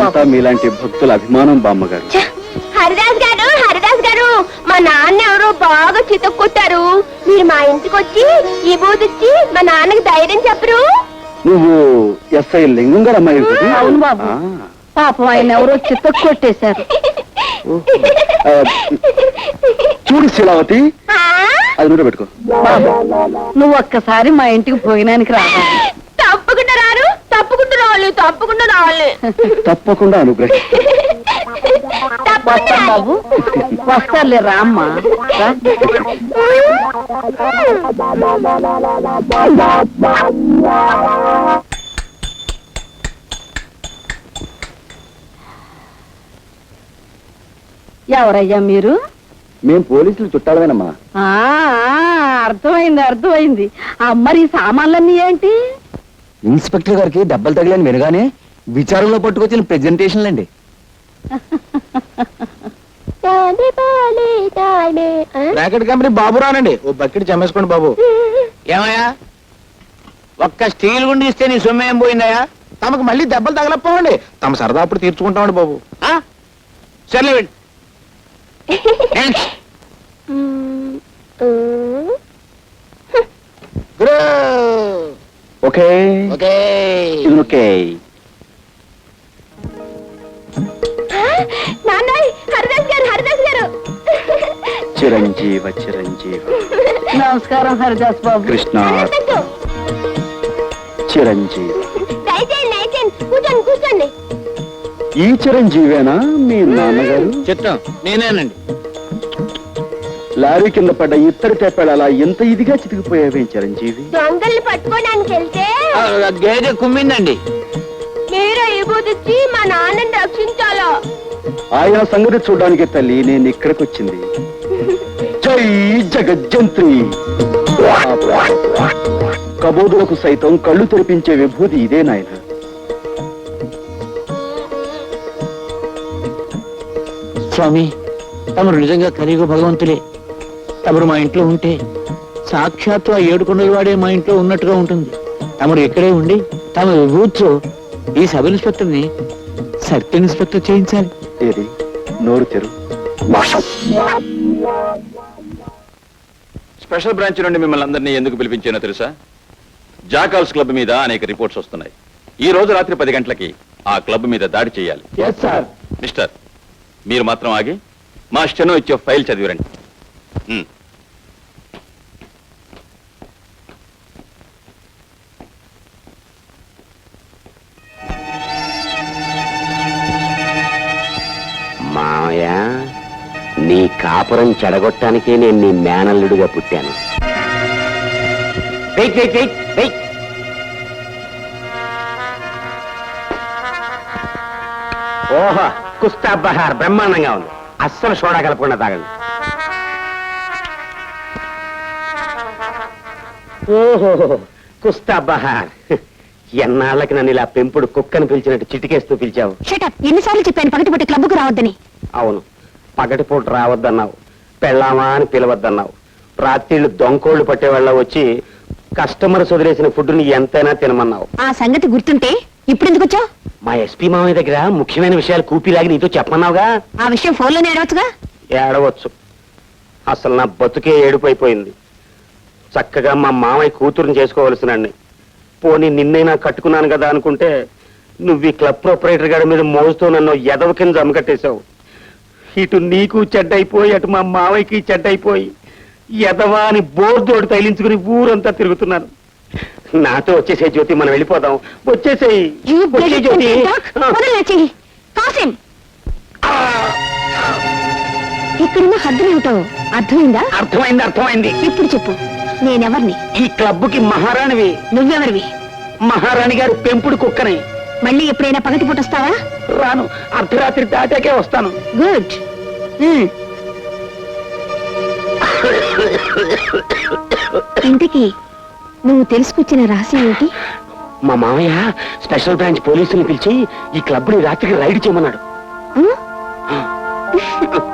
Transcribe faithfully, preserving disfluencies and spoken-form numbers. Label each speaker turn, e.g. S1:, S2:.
S1: మేమంతా మీలాంటి భక్తుల అభిమానం బామ్మగారు.
S2: హరిదాస్ గారు హరిదాస్ గారు మా నాన్న ఎవరో బాగా చితక్కొట్టారు. మీరు మా ఇంటికి వచ్చి ఈ బూదిచ్చి మా నాన్నకి ధైర్యం చెప్పరు?
S1: నువ్వు ఎస్ఐ లింగం గారు అమ్మాయి కదా?
S3: అవును బాబు. పాపం ఆయన ఎవరో చితక్కొట్టేశారు.
S1: చూడు శీలావతి, అది నూనె పెట్టుకో.
S3: బాబు నువ్వు ఒక్కసారి మా ఇంటికి భోజనానికి రావాలి.
S2: తప్పకుండా రారు, తప్పకుండా రావాలి, తప్పకుండా రావాలి.
S1: తప్పకుండా అనుగ్రహి.
S3: వస్తాం బాబు, వస్తారులే రామ్మా. ఎవరయ్యా మీరు?
S1: మేం పోలీసులు చుట్టాలమేనమ్మా.
S3: అర్థమైంది అర్థమైంది. మరి సామాన్లన్నీ ఏంటి?
S1: ఇన్స్పెక్టర్ గారికి దెబ్బలు తగిలని వినగానే విచారంలో పట్టుకొచ్చిన ప్రెజెంటేషన్లు అండి.
S4: బ్రాకెట్ కంపెనీ బాబు రానండి, ఓ బకెట్ చమ్మేసుకోండి బాబు. ఏమయ్యా, ఒక్క స్టీల్ గుండి ఇస్తే నీ సొమ్ము ఏం పోయిందయ్యా? తమకు మళ్ళీ దెబ్బలు తగలపోవండి, తమ సరదా అప్పుడు తీర్చుకుంటామండి బాబు. సర్లే వెళ్ళి.
S1: Okay
S4: okay
S1: okay.
S2: నాన్నయ్ హరిదాస్ గారు హరిదాస్ గారు.
S1: చిరంజీవ చిరంజీవ.
S3: నమస్కారం హరిదాస్ బాబు.
S1: కృష్ణ చిరంజీవ.
S2: దయచేయండి దయచేయండి, కూర్చోండి కూర్చోండి.
S1: ఈ చిరంజీవేనా మీ నాన్నగారు?
S4: చిత్తం నేనేనండి.
S1: లారీ కింద పడ్డ ఇత్తడి తెప్పాడు అలా ఎంత ఇదిగా చితికిపోయావే చిరంజీవి?
S2: దొంగల్ని పట్టుకోడానికి వెళ్తే
S4: గేదె కుమ్మిందండి.
S2: మీరే ఇబూదిచ్చి మా నాన్నని రక్షించాలా?
S1: ఆయన సంగతి చూడడానికి తల్లి నేను ఇక్కడికి వచ్చింది. జై జగజ్జంత్రి. కబోదులకు సైతం కళ్ళు తెరిపించే విభూతి ఇదే నాయన.
S4: స్వామి, తమరు నిజంగా కలియుగ భగవంతులే. తమరు మా ఇంట్లో ఉంటే సాక్షాత్తు ఆ ఏడు కొండల వాడే మా ఇంట్లో ఉన్నట్టుగా ఉంటుంది. తమరు ఇక్కడే ఉండి తమ విభూతితో ఈ సబ్ ఇన్స్పెక్టర్ ని సర్కిల్ ఇన్స్పెక్టర్ చేయించాలి.
S1: ఏది నోరు తెరు.
S5: స్పెషల్ బ్రాంచ్ నుండి మిమ్మల్ని అందరినీ ఎందుకు పిలిపించానో తెలుసా? జాకాల్స్ క్లబ్ మీద అనేక రిపోర్ట్స్ వస్తున్నాయి. ఈ రోజు రాత్రి పది గంటలకి ఆ క్లబ్ మీద దాడి చేయాలి. మిస్టర్, మీరు మాత్రం ఆగి మా స్టెనో ఇచ్చే ఫైల్ చదివిరండి.
S6: మామయ్య, నీ కాపురం చెడగొట్టానికే నేను నీ మేనల్లుడిగా పుట్టాను. Wait wait wait wait. ఓహో, కుస్తా బహార్ బ్రహ్మాండంగా ఉంది. అస్సలు సోడా కలపకుండా తాగండి. ఓహో, కుస్తా బహార్. ఎన్నాళ్ళకి నన్ను ఇలా పెంపుడు కుక్కను పిలిచినట్టు చిటికేస్తూ పిలిచావు.
S2: ఎన్నిసార్లు చెప్పాను పగటిపూట క్లబ్కు రావద్దని?
S6: అవును, పగటిపూట రావద్దన్నావు, పెళ్ళామా అని పిలవద్దన్నావు. రాత్రిళ్ళు దొంకోళ్లు పట్టేవాళ్ళ వచ్చి కస్టమర్స్ వదిలేసిన ఫుడ్ని ఎంతైనా తినమన్నావు.
S2: ఆ సంగతి గుర్తుంటే ఇప్పుడు ఎందుకు వచ్చావు?
S6: మా ఎస్పీ మామయ్య దగ్గర ముఖ్యమైన విషయాలు కూపిలాగి నీతో చెప్పమన్నావుగా.
S2: ఆ విషయం ఫోన్లోనే ఏడవచ్చుగా.
S6: ఏడవచ్చు. అసలు నా బతుకే ఏడుపైపోయింది. చక్కగా మా మామయ్య కూతురుని చేసుకోవలసినండి. పోనీ నిన్నైనా కట్టుకున్నాను కదా అనుకుంటే నువ్వు ఈ క్లబ్ ప్రొపరేటర్ గారి మీద మోస్తూ నన్ను ఎదవ కింద జమకట్టేశావు. ఇటు నీకు చెడ్డైపోయి అటు మా మావయ్యకి చెడ్డైపోయి ఎదవా అని బోర్దోడు తైలించుకుని ఊరంతా తిరుగుతున్నాను. నాతో వచ్చేసే జ్యోతి, మనం వెళ్ళిపోదాం. వచ్చేసేయి జ్యోతి.
S2: ఇక్కడున్న హద్దులేమిటో అర్థమైందా?
S6: అర్థమైంది అర్థమైంది.
S2: ఇప్పుడు చెప్పు, నేనెవర్ని?
S6: ఈ క్లబ్కి మహారాణివి.
S2: నువ్వెవరివి?
S6: మహారాణి గారి పెంపుడు కుక్కని.
S2: మళ్ళీ ఎప్పుడైనా పగటి పూట వస్తావా?
S6: రాను, అర్ధరాత్రి దాటాకే వస్తాను.
S2: గుడ్. ఇంతకీ నువ్వు తెలుసుకొచ్చిన రహస్యం ఏంటి?
S6: మా మామయ్య స్పెషల్ బ్రాంచ్ పోలీసుని పిలిచి ఈ క్లబ్ ని రాత్రికి రైడ్ చేయమన్నాడు.